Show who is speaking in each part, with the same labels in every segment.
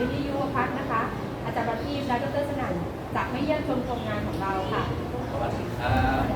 Speaker 1: วิริยุวพัฒน์นะคะ อาจารย์ประทีปและดรสนั่นจากไม่เยี่ยมชมโครงงานของเราค่ะ
Speaker 2: สวัสดีครับ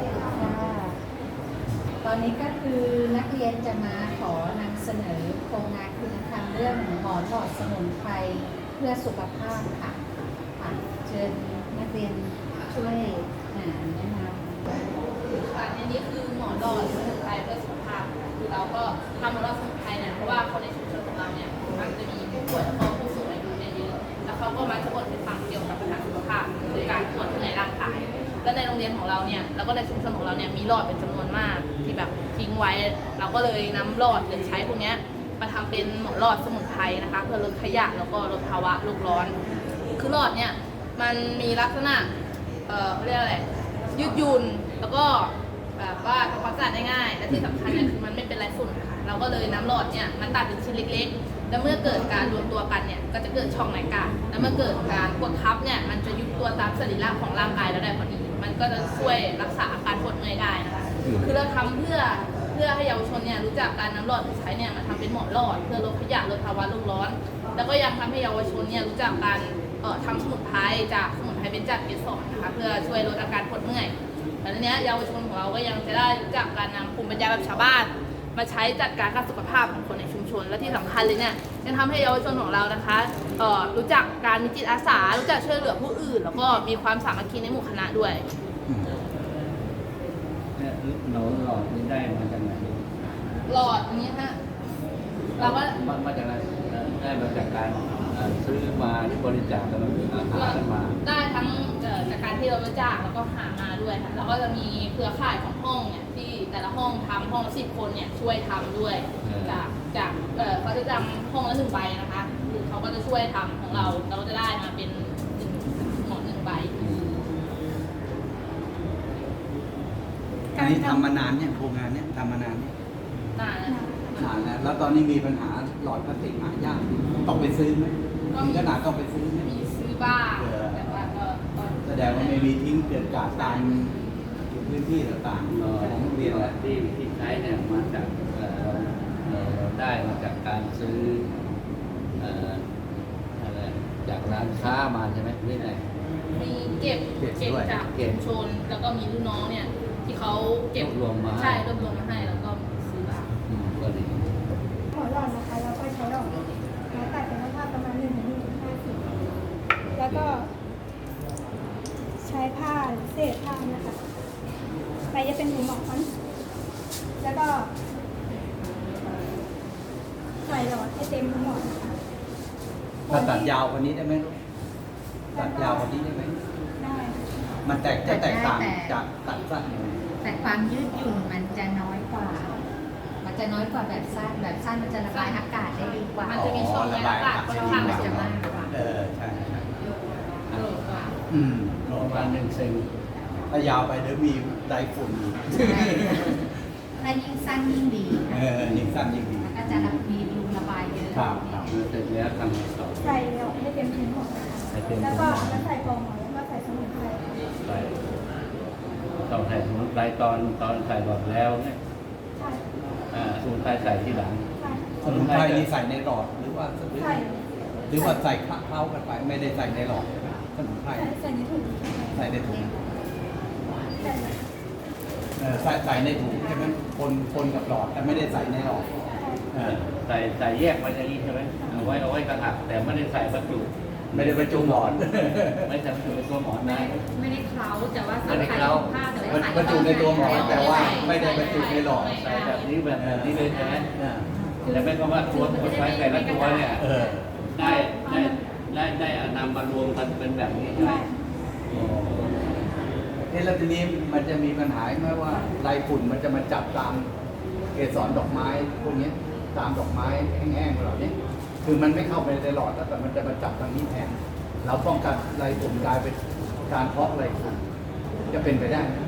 Speaker 3: ตอนนี้ก็คือนักเรียนจะมาขอนำเสนอโครงงานคุณธรรมเรื่องหมอนหลอดสมุนไพรเพื่อสุขภาพค่ะเชิญนักเรียนช่วยแนะนำ
Speaker 4: อันนี้คือหมอนหลอดสมุนไพรเพื่อสุขภาพคือเราก็ทำหมอนหลอดสมุนไพรเนี่ยเพราะว่าคนในชุมชนของเราเนี่ยมันจะมีผู้ป่วยแล้วก็ผู้สูงอายุเนี่ยเยอะแล้วเขาก็มาจะบ่นให้ฟังเกี่ยวกับปัญหาสุขภาพคือการตรวจที่ไหนร่างกายและในโรงเรียนของเราเนี่ยแล้วก็ในชุมชนของเราเนี่ยมีหลอดเป็นจำนวนมากที่แบบทิ้งไว้เราก็เลยนำหลอดหรือใช้พวกนี้มาทำเป็นหมอนหลอดสมุนไพรนะคะเพื่อลดขยะแล้วก็ลดภาวะโลกร้อนคือหลอดเนี่ยมันมีลักษณะเรียกอะไรยืดหยุ่นแล้วก็แบบว่าทำความสะอาดได้ง่ายและที่สำคัญเนี่ยคือมันไม่เป็นไรฝุ่นค่ะเราก็เลยน้ำหลอดเนี่ยมันตัดเป็นชิ้นเล็กๆแล้วเมื่อเกิดการรวมตัวกันเนี่ยก็จะเกิดช่องไหนกันแล้วเมื่อเกิดการกดทับเนี่ยมันจะยุบตัวตามสรีระของร่างกายเราได้พอดีมันก็จะช่วยรักษาอาการปวดเมื่อยได้นะคะคือเราทำเพื่อให้เยาวชนเนี่ยรู้จักการน้ำหลอดที่ใช้เนี่ยมาทำเป็นหมอนหลอดเพื่อลดขยะลดภาวะโลกร้อนแล้วก็ยังทำให้เยาวชนเนี่ยรู้จักการทำสมุนไพรจากสมุนไพรเบญจเกสรนะคะเพื่อช่วยลดอาการปวดเมื่อยแต่ทีนี้เยาวชนของเราก็ยังจะได้รู้จักการนำภูมิปัญญาแบบชาวบ้านมาใช้จัดการสุขภาพของคนในชุมชนและที่สำคัญเลยเนี่ยยังทำให้เยาวชนของเรานะคะรู้จักการมีจิตอาสารู้จักช่วยเหลือผู้อื่นแล้วก็มีความสามัคคีในหมู่คณะด้วย
Speaker 2: หนูหลอดนี้ได้มาจากไหน
Speaker 4: หลอดอันนี้ฮะเราก็
Speaker 2: มาจากไหนได้มาจากการซื้อมาที่บริจาคกันมาหากันมา
Speaker 4: ได้ทั้งจากการที่เราบริจาคแล้วก็หามาด้วยค่ะแล้วก็จะมีเครือข่ายของห้องเนี่ยที่แต่ละห้องทำห้องละ10 คนเนี่ยช่วยทำด้วยจากเขาจะจำห้องละ1 ใบนะคะคือเขาก็จะช่วยทำของเราก็จะได้มาเป็นหมอน1 ใบ
Speaker 5: อันนี้ทำมานานเนี่ยโครงงานเนี่ยทำมานานเนี่ย
Speaker 4: นาน
Speaker 5: แล้วแล้วตอนนี้มีปัญหาหลอดพลาสติกหายากต้องไปซื้อไหมถึงขนาดต้องไปซื้อไหม
Speaker 4: มีซื้อบ้างแต่ว่าก็
Speaker 5: แสดงว่าไม่มีทิ้งเกิดกาดตามพื้นที่ต่างๆของโรงเรียน
Speaker 2: ที่ใช้เนี่ยมาจากได้มาจากการซื้ออะไรจากร้านค้ามาใช่ไหมไม่ได้
Speaker 4: มีเก็บจากชุมชนแล้วก็มีลูกน้องเนี่ยที่เขาเก็บ
Speaker 2: รวมมา
Speaker 4: ใช่รวมมาให้แล้วก็ซื้อบ้าง
Speaker 2: ก็ดี
Speaker 1: หมอนหลอดนะคะเราก็ใช้ดอกไม้ตัดเป็นผ้าประมาณ1-1.5 สีแล้วก็ใช้ผ้าเศษผ้านะคะไปจะเป็นหูหมอนแล้วก็ใส่หลอดให้เต็มหูหมอนนะคะ
Speaker 5: ถ้าตัดยาวกว่านี้ได้ไหมลูกตัดยาวกว่านี้ได้ไหม
Speaker 1: ได้
Speaker 5: มันแตกต่างจากตัดสั้นยังไง
Speaker 3: แต่ความยืดหยุ่นมันจะน้อยกว่าแบบสั้นมันจะระบายอากาศได้ดีกว่า
Speaker 4: มันจะมีช่องระบายอากาศค่อนข้าง
Speaker 3: จะมากกว่า
Speaker 5: ใช่
Speaker 2: ประมาณ1 เซน
Speaker 5: ถ้ายาวไปเดี๋ยวมีไดฝุ่น
Speaker 3: ถ้ายิ่งสั้นยิ่งดี
Speaker 5: ยิ่งสั้นยิ่งดี
Speaker 3: ก็จะมีรูระบายเยอะ
Speaker 5: ครับ
Speaker 2: เสร็จแล้วทำต่อ
Speaker 1: ใส่หลอดให้เต็มชิ้นหมดแล้วก็ใส่ฟองหมอนแล้วก็ใส่สมุนไพร
Speaker 2: ต้องใส่สมุนไพรตอนใส่หลอดแล้วเนี่ยสมุนไพรใส่ที่หลัง
Speaker 5: สมุนไพรนี่ใส่ในหลอดหรือว่าใส่เคล้ากันไปไม่ได้ใส่ในหลอดสมุนไพร
Speaker 1: ใส่ในถุง
Speaker 5: ใส่ในถุงใส่ในถุงใช่ไหมคนกับหลอดแต่ไม่ได้ใส่ในหลอด
Speaker 2: ใส่แยกไว้อย่างนี้ใช่ไหมเอาไว้กระหักแต่ไม่ได้ใส่บรรจุ
Speaker 5: ไม่ได้บรรจุหมอน
Speaker 2: ไม่ใส่บรรจุในตัวหมอนนะ
Speaker 3: ไม่ได้เคล้าแต่ว่าใส่ผ้าแต่ว่า
Speaker 5: บรรจุในตัวหมอนแต่ว่าไม่ได้บรรจุในหลอด
Speaker 2: ใส่แบบนี้เลยใช่ไหมแต่ไม่ก็ว่าตัวใช้แต่ละตัวเนี่ยได้นำมารวมกันเป็นแบบนี้ใช่ไหม
Speaker 5: แล้วทีนี้มันจะมีปัญหาไหมว่าลายฝุ่นมันจะมาจับตามเกสรดอกไม้พวกนี้ตามดอกไม้แห้งๆเหล่านี้คือมันไม่เข้าไปในหลอดแล้วแต่มันจะมาจับทางนี้แทนเราป้องกันลายฝุ่นกลายเป็นการเพาะลายฝุ่นจะเป็นไปได้ไหม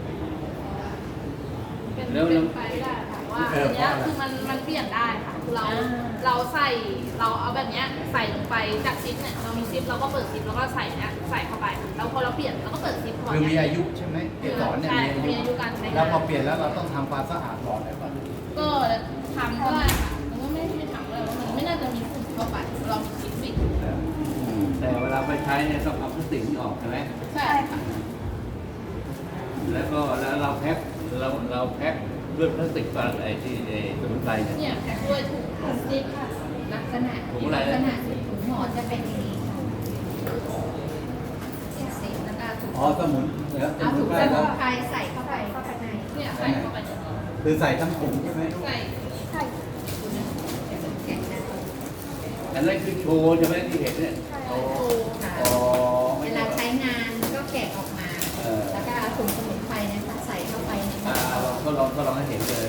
Speaker 4: เป็นไปได้ค่ะว่าอันนี้คือมันเปลี่ยนได้ค่ะเราใส่เราเอาแบบนี้ใส่ลงไปจากซิปเนี่ยเรามีซิปเราก็เปิดซิปแล้วก็ใส่เนี้ยใส่เข้าไปแล้วพอเราเปลี่ยนเราก็เปิดซิป
Speaker 5: คือมีอายุใช่ไหมเกสรเนี่ย
Speaker 4: มีอายุการใช้
Speaker 5: แล้วพอเปลี่ยนแล้วเราต้องทำความสะอาดหลอดอะไรบ้าง
Speaker 4: ก็ทำก็ได้ค่ะมันก็ไม่ทำเลยว่ามันไม่น่าจะมีฝุ่นเข้าไปเรามีซิปปิด
Speaker 2: ใช้เนี่ยต้องเอาพลาสติกนี่ออกใช่ไหม
Speaker 4: ใช่
Speaker 1: ใช่ค่ะ
Speaker 2: แล้วก็แล้วเราแพ็คเราแพ็คด้วยพลาสติกก่อนไอ้ที่ไอ้สมุนไพรเนี่ย
Speaker 4: เนี่ยแพ็คด้วยถุงพลาสติกค่ะ
Speaker 3: ลักษณะ
Speaker 2: ถุงอะไร
Speaker 3: ลักษณะถุงหมอนจะเป็นอย่างนี้ค่ะเสีแล้วก็ถุง
Speaker 5: อ๋อสมุนแล้วส
Speaker 3: เอา
Speaker 5: มุ
Speaker 3: ถุ
Speaker 5: น
Speaker 3: ง
Speaker 5: ไพร
Speaker 3: สมุ
Speaker 5: แล้ว
Speaker 3: นไพรใส่เข้าไปข้างใน
Speaker 4: เนี่ยใส่เข้าไปเนี่ย
Speaker 5: คือใส่ทั้งถุงใช่ไหม
Speaker 4: ใส่
Speaker 1: ใช่
Speaker 3: แกะนะ
Speaker 2: อันนั้นคือโชว์ใช่ไหมที่เห็นเนี่ย
Speaker 1: ใช่
Speaker 2: โอ้
Speaker 3: ค่ะ
Speaker 2: อ๋อ
Speaker 3: เวลาใช้งานก็แกะออกมา แล้วก็เอาถุงสมุนไพรเนะคะใส่เข้าไปในหม้
Speaker 2: เรา
Speaker 3: อ
Speaker 2: ทดลองให้เห็นเลย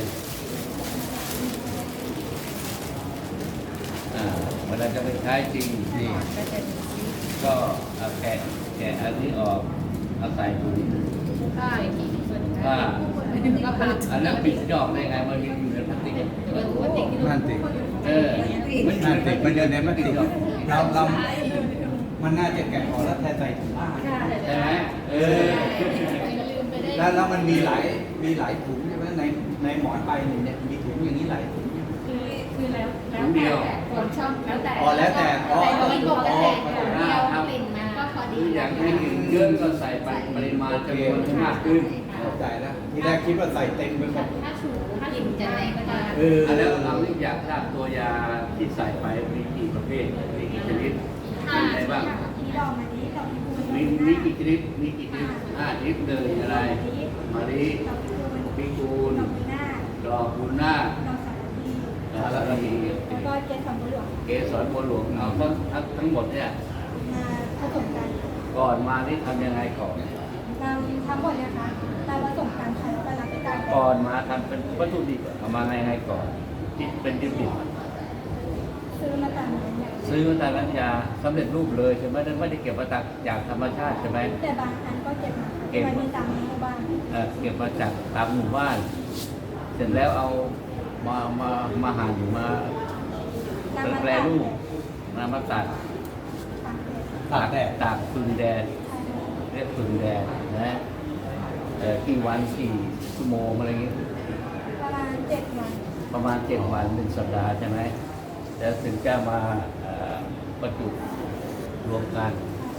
Speaker 2: เวลาจะไปใช้จริง
Speaker 3: ห
Speaker 2: นี่
Speaker 3: มอนก็จะมีสี
Speaker 2: ก็เอาแกะอันนี้ออกเอาใส่ถุง
Speaker 4: ผ้าอีกทีส่วน
Speaker 2: ผ้า
Speaker 4: ก็ผ้า
Speaker 2: อันนั้นปิดยอกได้ไงมันยังอยู่ในพลาสติก
Speaker 4: เป็นพลาสติกที่
Speaker 5: นั่นสิ
Speaker 2: มัน
Speaker 5: นั่นสิมันอยู่ในพลาสติกเรามันน่าจะแกะออกแล้วแทนใส่ถุงผ้า
Speaker 2: ใช่ไหม
Speaker 4: ลืมไปได้
Speaker 5: แล้วมันมีหลายถุงใช่ไหมในหมอนใบหนึ่งเนี่ยมีถุงอย่างนี้หลายถุง
Speaker 3: คือแล้วแต่คนชอบแล้วแต่
Speaker 5: อ๋อแล้วแต่อ๋อ
Speaker 3: แต่เราไม่ปกติ
Speaker 5: อ๋อ
Speaker 3: เดียวกลิ่นมาก็พอ
Speaker 2: ห
Speaker 3: ดี
Speaker 2: รืออย่างให้เยอะก็ใส่ปริมาณจำนวนให้มากขึ้น
Speaker 5: เข้าใจแล้วทีแรกคิดว่าใส่เต็มไปหมด
Speaker 3: ถ้าถูถ้ากลิ่นจะแรงมาก
Speaker 2: อันแล้วเราอยากทราบตัวยาที่ใส่ไปมีกี่ประเภทมีกี่ชนิดมีอะไรบ้าง
Speaker 1: มีดอกมะลิดอกพิกุล
Speaker 2: มีกี่ชนิดมีกี่ชนิดชนิดหนึ่งอะไรมะลิ
Speaker 1: ดอกพิกุล
Speaker 2: พิกูล
Speaker 1: ดอกพินาศ
Speaker 2: ดอกบุญนาค
Speaker 1: ดอกสารพี
Speaker 2: สารพี
Speaker 1: แล้วก็เกสรบัวหลวง
Speaker 2: เกสรบัวหลวงเอาทั้งหมดเนี่ย
Speaker 1: มาผสมกัน
Speaker 2: ก่อนมานี่ทำยังไงก่อน
Speaker 1: นำทั้งหมดเนะคะมาผสมกันค่ะแล้วก็รับประกัน
Speaker 2: ก่อนมาทำเป็นวัตถุดิบเอามายังไงก่อนที่เป็นดิบ
Speaker 1: ซื้อมาตามนั้นเนี่ย
Speaker 2: ซื้อมาตามร้านยาสำเร็จรูปเลยใช่ไหมไม่ได้เก็บมาจากธรรมชาติใช่ไหม
Speaker 1: แต่บางอันก็เก็บมาค่ะไว้ในตามหมู่บ้าน
Speaker 2: เก็บมาจากตามหมู่บ้าน เสร็จแล้วเอามาหั่นมาแปรรูปมาตัด
Speaker 1: ตามเลย
Speaker 5: ตากแดด
Speaker 2: ตากฟืนแดดเรียกฟืนแดดนะกี่วันกี่ชั่วโมงอะไรเงี้ย
Speaker 1: ประมาณ7 วัน
Speaker 2: ประมาณ7 วัน1 สัปดาห์ใช่ไหมแล้วถึงจะมาประจุรวมกัน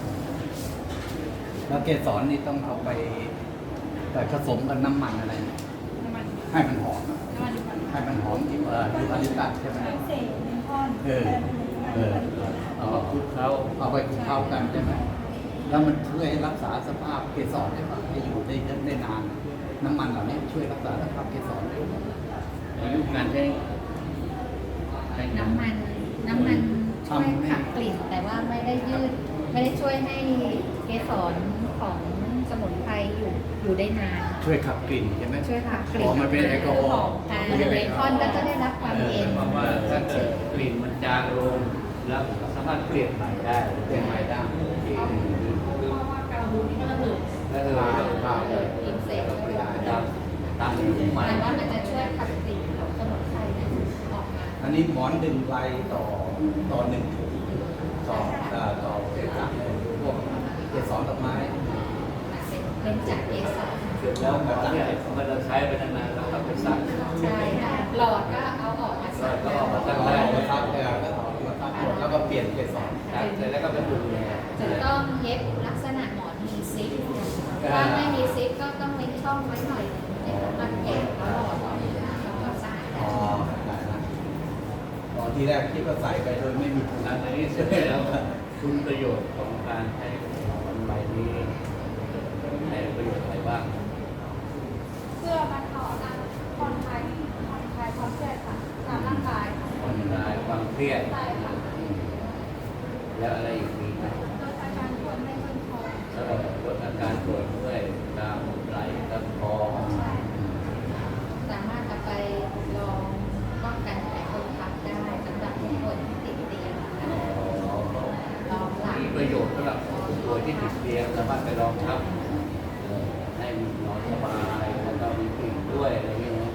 Speaker 5: แล้วเกสรนี่ต้องเอาไปผสมกับน้ำมันอะไรนะ
Speaker 4: น้ำมัน
Speaker 5: ให้มันหอม
Speaker 4: น้ำมันดิบ
Speaker 5: ให้มันหอมที่ยูคาลิปตัสใช่ไหม
Speaker 1: ทั้งเศษเมนทอน
Speaker 5: เออ
Speaker 2: เอามาคลุกเขา
Speaker 5: เอาไปเข้ากันใช่ไหมแล้วมันช่วยรักษาสภาพเกสรได้ป่ะให้อยู่ได้นาน น้ำมันเหล่านี้ช่วยรักษาสภาพเกสรได้ไหม
Speaker 2: อายุการใช้
Speaker 3: น้ำมันช่วยขับกลิ่น แต่ว่าไม่ได้ไม่ได้ช่วยให้เกสรของสมุนไพรอยู่ได้นาน
Speaker 5: ช่วยขับกลิ่นใช่ไหม
Speaker 3: ช่วยขับกลิ่น
Speaker 5: อ๋อมันเป็นแอลกอฮอล์
Speaker 3: เบคอนก็จะได้รับความเย็น
Speaker 2: เพราะว่าถ้าเกิดกลิ่นมันจางลงแล้วสามารถเปลี่ยนใหม่ได้
Speaker 5: เปลี่ยนใหม่ได้
Speaker 4: การบูนี่ก็ระเบิด
Speaker 2: แล้วข้าวเลย
Speaker 3: กินเสร็จ
Speaker 2: ตามอยู่ใหม่
Speaker 3: แต่ว่ามันจะช่วยขับกลิ่นของสมุนไพรนั้นออกมา
Speaker 5: อันนี้หมอนดึงใบต่อหนึ่งถุงต่อจากพวกเกสรดอกไม้
Speaker 3: เป็นจากเกสร
Speaker 2: เสร็จแล้วหมอเนี่ยมันเราใช้ไปนานๆแล้วก็ไปซัก
Speaker 3: ใช่ค่ะหลอดก็เอาออกมาใส่
Speaker 2: ก็เอามาซัก
Speaker 5: แล้
Speaker 2: ได้
Speaker 5: วก็ทับก็เอามาทับหมดแล้วก็เปลี่ยนเกสร
Speaker 2: ซักเสร็จแล้วก็ไปดูแล
Speaker 3: จะต้องเย็บลักษณะหมอนมีซิปถ้าไม่มีซิปก็ต้องเว้นช่องไว้หน่อยในสำหรับแกะแล้วหลอดออกมาแล้วก็สะอาด
Speaker 5: อ๋อได้ละตอนที่แรกคิดว่าใส่ไปโดยไม่มีถุง
Speaker 2: หลังจากนี้เสร็จแล้วคุณประโยชน์ของการใช้ของใบนี้ในประโยชน์อะไรบ้าง
Speaker 1: เพื่อบรรเทาอาการผ่อนคลายความเครียดค่ะตามร่างกายค่ะ
Speaker 2: ผ่อนคลายความเครียด
Speaker 1: ใช่ค่ะ
Speaker 2: แล้วอะไรอีกมีไหม
Speaker 1: ลดอาการปวดไม่ค่อยคอ
Speaker 2: แล้วลดอาการปวดเมื่อยตามไหล่ตามคอ
Speaker 1: ใช่
Speaker 3: สามารถเอาไปลองป้องกันแผลคนทับได้สำหรับผู้ป่วยที่ติดเตียงนะคะลองหลัง
Speaker 2: มีประโยชน์สำหรับผู้ป่วยที่ติดเตียงสามารถไปลองทับให้นอนสบายแล้วก็มีกลิ่นด้วยอะไรอย่างเงี้ยนะ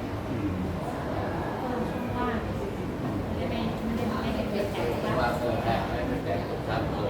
Speaker 3: ว่าไม่ได้เป็นแผล
Speaker 2: เพราะว่าเกิดแผลไม่เป็นแผลกดทับเลย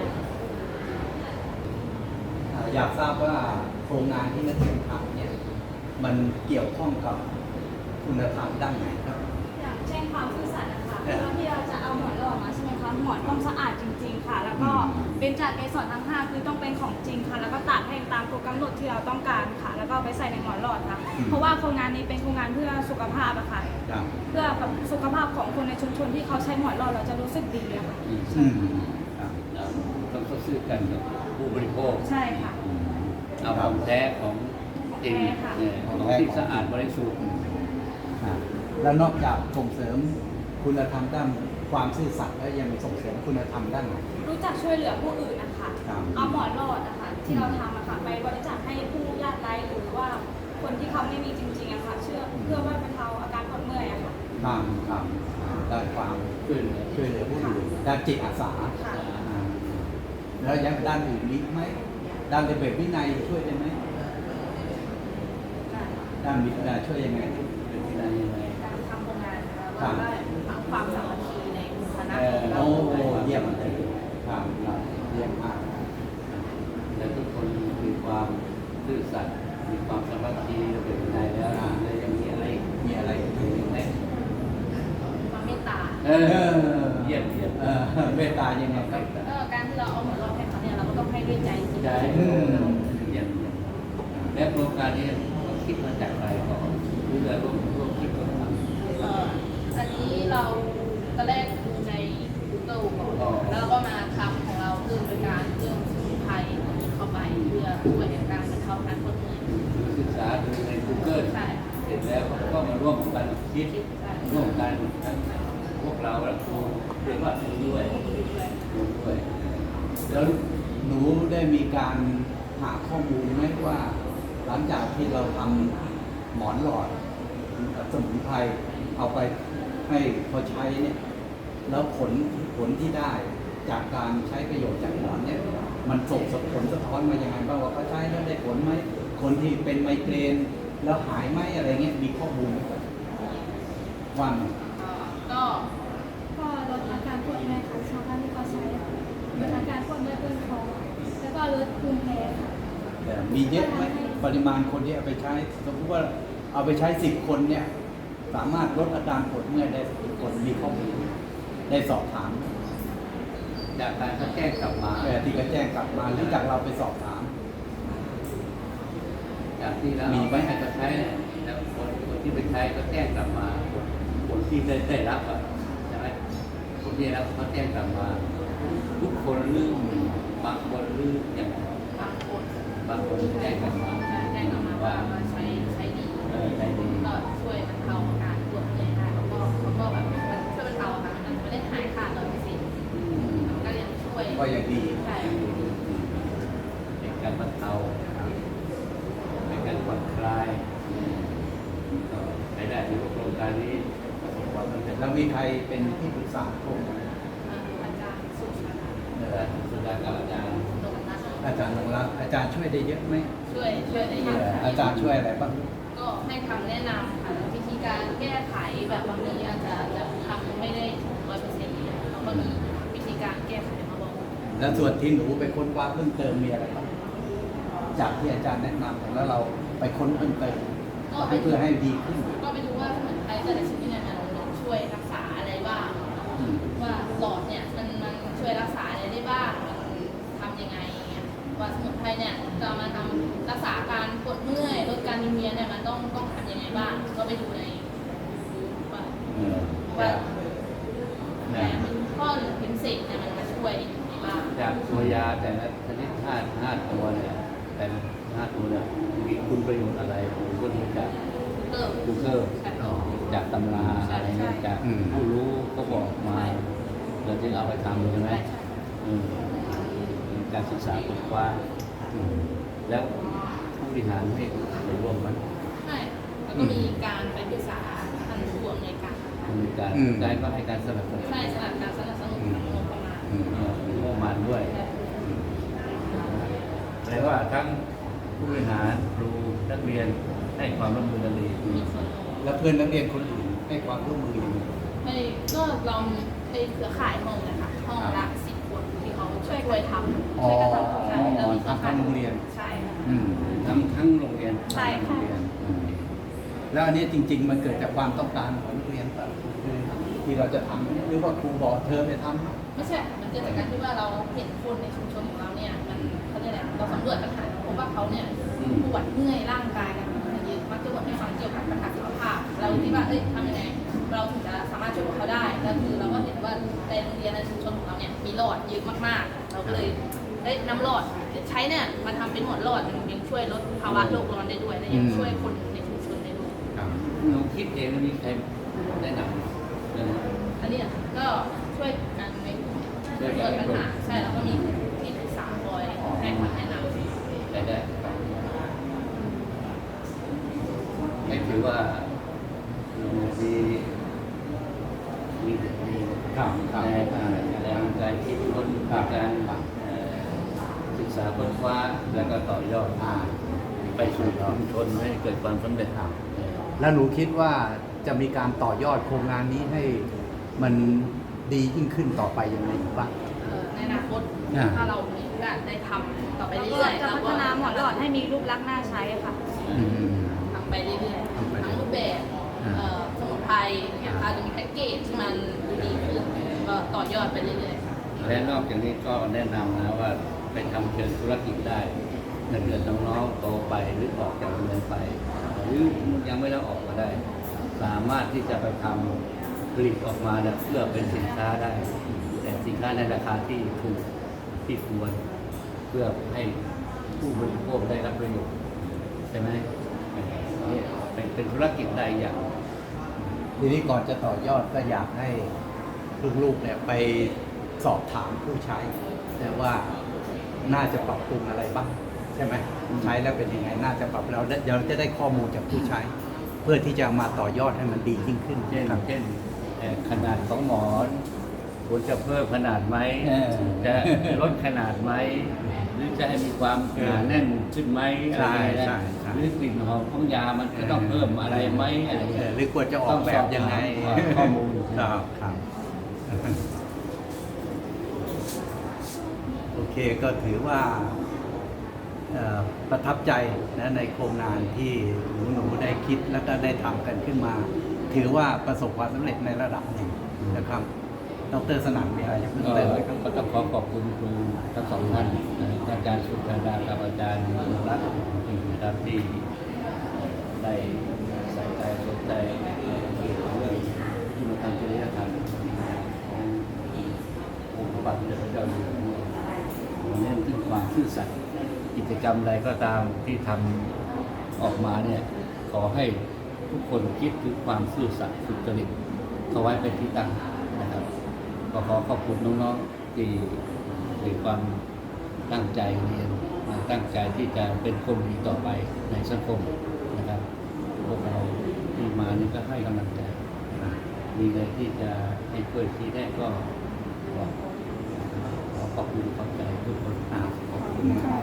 Speaker 5: อยากทราบว่าโครงงานที่นักเรียนทำเนี่ยมันเกี่ยวข้องกับคุณธรรมด้านไหนครับ
Speaker 6: อย่างเช่นความซื่อสัตย์นะคะเพื่อที่เราจะเอาหมอนหล่อมาใช่ไหมคะหมอนต้องสะอาดจริงๆค่ะ แล้วก็เป็นจากเกสรทั้ง 5 คือต้องเป็นของจริงค่ะ แล้วก็ตัดให้ตามตัวกำหนดที่เราต้องการค่ะ แล้วก็เอาไปใส่ในหมอนหลอดค่ะ เพราะว่าโครงงานนี้เป็นโครงงานเพื่อสุขภาพอะค่ะ
Speaker 5: ครับ
Speaker 6: เพื่อแบบสุขภาพของคนในชุมชนที่เขาใช้หมอนหลอดเราจะรู้สึกดีอะค่ะ
Speaker 5: อืมครับ
Speaker 2: ต้องเข้าซื้อกันกับผู้บริโภค
Speaker 6: ใช่ค่ะ
Speaker 2: เอาของแท้ของจริง
Speaker 6: แท้ค่ะ
Speaker 2: ของที่สะอาดบริสุทธิ์
Speaker 5: แล้วนอกจากส่งเสริมคุณธรรมด้านความซื่อสัตย์แล้วยังส่งเสริมคุณธรรมด้านไหน
Speaker 6: รู้จักช่วยเหลือผู้อื่นนะคะ
Speaker 5: ครับ
Speaker 6: เอาหมอนหลอดนะคะที่เราทำอะค่ะไปบริจาคให้ผู้ยากไร้หรือว่าคนที่เขาไม่มีจริงๆอะค่ะเพื่อว่าบรรเทาอาการปวดเมื่อยอะค่ะ
Speaker 5: ครับด้านความ
Speaker 2: ช่วยเหลือ
Speaker 5: ช่วยเหลือผู้อื่นด้านจิตอาสา
Speaker 6: ค่ะ
Speaker 5: อ่าแล้วยังด้านอื่นมีไหมด้านระเบียบวินัยช่วยได้ไหมด้านวินัยช่วยยังไง
Speaker 2: เป็นที่ไหนยังไง
Speaker 4: การทำโครงงานนะคะ
Speaker 5: ครั
Speaker 4: ว่า
Speaker 5: บ
Speaker 4: ได้ความสามัคคีในหมู่คณะ
Speaker 5: โอ้
Speaker 4: ของเรา
Speaker 5: เยี่ยมเลยครับเยี่ยมมาก
Speaker 2: และทุกคนมีความซื่อสัตย์มีความสามัคคีระเบียบวินัยแล้วแล้วยังมีอะไร
Speaker 5: มีอะไรอีกไหม
Speaker 4: ความเมตตา
Speaker 2: เยี่ยมเยี่ยม
Speaker 5: เมตตายังไงครับ
Speaker 4: ก็การที่เราเอาหมอนรองให้เขาเนี่ยเราก็ต้องให้ด้วยใจจริง
Speaker 2: ใช่
Speaker 5: อืม
Speaker 2: เยี่ยมเยี่ยมและโครงการนี้เราคิดมาจากอะไรก่อนหรือเราร่วมคิดร่วมทำ
Speaker 4: อันนี้เราตอนแรกดูใน Google ก่อนแล้วเราก็มาทำของเราคือเป็นการเรื่องสมุนไพรเข้าไปเพื่อช่วยในการบรรเทาการปวดเมื่อย
Speaker 2: ศึกษาดูใน Google
Speaker 4: ใช่
Speaker 2: เสร็จแล้วก็มาร่วมกันคิดร่วมกันทั้งพวกเราและครูเรียกว่าครูด้วยครูด้วย
Speaker 5: แล้วหนูได้มีการหาข้อมูลไหมว่า หลังจากที่เราทำหมอนหลอดสมุนไพรเอาไปให้เขาใช้เนี่ยแล้วผลที่ได้จากการใช้ประโยชน์จากหมอนเนี่ยมันส่งผลสะท้อนมายังไงบ้างว่าเขาใช้แล้วได้ผลไหมคนที่เป็นไมเกรนแล้วหายไหมอะไรเงี้ยมีข้อมูลไหมว่าไง
Speaker 4: ก็
Speaker 1: ก็ลดอาการปวดเมื่อยค่ะชาวบ้านที่เขาใช้อะลดอาการปวดเมื่อยเพื่อนท้องแล้วก็ลดภูมิแพ้ค่ะ
Speaker 5: แต่มีเยอะไหมปริมาณคนที่เอาไปใช้สมมติว่าเอาไปใช้10 คนเนี่ยสามารถลดอาการปวดเมื่อยได้10 คนมีข้อมูลได้สอบถาม
Speaker 2: จากการเขาแจ้งกลับมา
Speaker 5: ที่ก็แจ้งกลับมาหรือจากเราไปสอบถาม
Speaker 2: จากที่เราเอาไปให้เขาใช้เนี่ยแล้วคนที่ไปใช้ก็แจ้งกลับมาคนที่ได้รับอ่ะใช่ไหมคนที่ได้รับเขาแจ้งกลับมา ทุกคนหรือบางคนหรืออย่าง
Speaker 4: บางคน
Speaker 2: บางคนแจ้งกลับมา
Speaker 4: แจ้งออกมาว่าใช้ดี
Speaker 2: ใช้ดี
Speaker 4: ก็ช่วยบรรเทาอาการปวดเมื่อยได้แล้วก็เขาก็แบบมันช่วยบรรเทาอาการมันไม่ได้หายขาด100%มันก็ยังช่วย
Speaker 5: ก็ยังดี
Speaker 4: ใช่
Speaker 2: เป็นการบรรเทาเป็นการผ่อนคลายก็ใช้ได้ในโครงการนี้ประสบความสำเร็จ
Speaker 5: แล้วมีใครเป็นที่ปรึกษาโครงการ
Speaker 4: อาจารย์สุชาติ
Speaker 2: สุดากับอาจารย์
Speaker 4: นงนัท
Speaker 5: อาจารย์นงรักอาจารย์ช่วยได้เยอะไหม
Speaker 4: ช่วยได้เยอะค่ะ
Speaker 5: อาจารย์ช่วยอะไรบ้าง
Speaker 4: ก็ให้คำแนะนำค่ะแล้ววิธีการแก้ไขแบบบางทีอาจจะทำไม่ได้ถึง100%แล้วก็มีวิธีการแก้ไขมาบอก
Speaker 5: แล้วส่วนที่หนูไปค้นคว้าเพิ่มเติมมีอะไรบ้างจากที่อาจารย์แนะนำแล้วเราไปค้นเพิ่มเติมให้เพื่อให้ดีขึ้น
Speaker 4: ก็ไปดูว่าสมุนไพรแต่ละชนิดเนี่ยมันช่วยรักษาอะไรบ้าง
Speaker 5: อืม
Speaker 4: ว่าหลอดเนี่ยมันช่วยรักษาอะไรได้บ้างมันทำยังไงอย่างเงี้ยว่าสมุนไพรเนี่ยจะเอามาทำรักษาการปวดเมื่อยลดการวิงเวียนเนี่ยมันต้องทำยังไงบ้าง ก็ไปดูในว่า ว่าแผลเป็นข้อหรือเป็นเศษเนี่ยมันมาช่วยยังไงบ้าง
Speaker 2: จากตัวยาแต่ละชนิดห้าตัวเนี่ยแต่ละ5 ตัวเนี่ยมีคุณประโยชน์อะไรผมก็ดูจาก
Speaker 4: เพิ่ม
Speaker 2: Google
Speaker 4: ใช่
Speaker 2: จากตำราอะไรเงี้ยจากผู้รู้ก็บอกมาเราจึงเอาไปทำใช่ไหม
Speaker 4: ใช่
Speaker 2: เป็นการศึกษาค้นคว้าแล้วผู้บริหารให้ไปร่วมมัน
Speaker 4: ใช่แล้วก็มีการไปปรึกษาท่านผู้อำนวยการ
Speaker 2: มีการได้ก็ให้การสนับสนุน
Speaker 4: ใช่สำหรับการสนับสนุนทางงบประมาณ
Speaker 2: มีงบประมาณด้วยแปลว่าทั้งผู้บริหารครูนักเรียนให้ความร่วมมือกันดี
Speaker 4: มีส่วนร่วม
Speaker 5: แล้วเพื่อนนักเรียนคนอื่นให้ความร่วมมือยังไง
Speaker 4: ให้ก็เราไปเครือข่ายห้องนะคะห้องละ10 คนที่เขาช่วยทำ
Speaker 5: อ๋อ
Speaker 4: ช่วยกันทำใช่แล้วมีเครือข่าย
Speaker 5: ทำโรงเรียน
Speaker 4: ใช่ค่ะ
Speaker 2: ทั้งโรงเรียน
Speaker 4: ใช่ค่ะ
Speaker 2: โรงเรียน
Speaker 5: แล้วอันนี้จริง ๆ มันเกิดจากความต้องการของนักเรียนแบบคือที่ที่เราจะทำหรือว่าครูบอกเธอไปทำ
Speaker 4: ไม่ใช่ค่ะมันเกิดจากการที่ว่าเราเห็นคนในชุมชนของเราเนี่ยมันเขาเรียกอะไรเราสำรวจปัญหาพบว่าเขาเนี่ยปวดเมื่อยร่างกายกันเยอะมักจะบ่นให้ฟังเกี่ยวกับปัญหาสุขภาพเราคิดว่าทำยังไงเราถึงจะสามารถช่วยพวกเขาได้แล้วคือเราก็เห็นว่าในโรงเรียนในชุมชนของเราเนี่ยมีหลอดเยอะมากๆเราก็เลยนำหลอดใช้เนี่ยมาทำเป็นหมอนหลอดมันยังช่วยลดภาวะโลกร้อนได้ด้วยและยังช่วยคนในชุมชนได้ด้วย
Speaker 2: หนูคิดเองมีใครแนะนำเรื่องนี้
Speaker 4: อันนี้ก็ช่วยกันในกลุ่มเกิดปัญหาใช่แล้วก็มีที่ปรึกษาคอยให้คำแนะนำ
Speaker 2: ได้ให้ถือว่าเรามีแรงการคิดค้นการศึกษาค้นคว้าแล้วก็ต่อยอดไปสู่ชุมชนให้เกิดความสำเร็จ
Speaker 5: แล้วหนูคิดว่าจะมีการต่อยอดโครงงานนี้ให้มันดียิ่งขึ้นต่อไปยังไงอีกบ้าง
Speaker 4: ในอนาคตถ้าเรามีโอกาสได้ทำต่อไป
Speaker 6: แล้ว
Speaker 4: เรื่
Speaker 6: ก็
Speaker 4: อยๆ
Speaker 6: จะพัฒนาหมอนหลอดให้มีรูปลักษณ์น่าใช้ค่ะ
Speaker 4: ทำไปเรื่อยๆทั้งรูปแบบสมุนไพรเนี่ยอาจจะมีแพ็กเกจที่มันดูดีขึ้นก็ต่อยอดไปเรื่อยๆ
Speaker 2: และนอกจากนี้ก็แนะนำนะว่าไปทำเชิงธุรกิจได้ถ้าเกิดน้องๆโตไปหรือออกจากโรงเรียนไป หรือยังไม่ได้ออกมาได้ สามารถที่จะไปทำผลิตออกมาเนี่ยเพื่อเป็นสินค้าได้ แต่สินค้าในราคาที่ถูกที่ควรเพื่อให้ผู้บริโภคได้รับประโยชน์ใช่ไหมนี่เป็นธุรกิจได้อย่าง
Speaker 5: ทีนี้ก่อนจะต่อยอดก็อยากให้ลูกๆเนี่ยไปสอบถามผู้ใช้แต่ว่าน่าจะปรับปรุงอะไรบ้างใช่ไหมใช้แล้วเป็นยังไงน่าจะปรับเราจะได้ข้อมูลจากผู้ใช้ เพื่อที่จะมาต่อยอดให้มันดียิ่งขึ้น
Speaker 2: เช่น
Speaker 5: ครับ
Speaker 2: ขนาดของหมอนควรจะเพิ่มขนาดไหมจะลดขนาดไหมหรือจะให้มีความหนาแน่นขึ้นไหมอะไรนะหรือกลิ่นหอมของยามันจะต้องเพิ่มอะไรไหมอะไรอย่างเงี้ย
Speaker 5: หรือควรจะออกแบบยังไง
Speaker 2: ข้อมูล
Speaker 5: ครับโอเคก็ถือว่าประทับใจนะในโครงงานที่หนูได้คิดแล้วก็ได้ทำกันขึ้นมา ถือว่าประสบความสำเร็จในระดับหนึ่งนะครับดร.สนั่นมีอะไรจะเพิ่มเติมไหมครับ
Speaker 2: ก็ต้องขอบคุณครูทั้งสองท่านอาจารย์สุชาดากับอาจารย์รัตน์นะครับที่ได้ใส่ใจสนใจเกี่ยวกับเรื่องที่มาทำจริยธรรมขององค์พระบาทสมเด็จพระเจ้าอยู่หัวเน้นถึงความซื่อสัตย์กิจกรรมใดก็ตามที่ทำออกมาเนี่ยขอให้ทุกคนคิดถึงความซื่อสัตย์สุจริตเข้าไว้เป็นที่ตั้งนะครับก็ขอขอบคุณน้องๆที่มีความตั้งใจเรียนตั้งใจที่จะเป็นคนดีต่อไปในสังคมนะครับพวกเราที่มานี่ก็ให้กำลังใจมีอะไรที่จะให้ช่วยที่ได้ก็ขอขอบคุณขอบใจทุกคน
Speaker 5: ขอบคุณมาก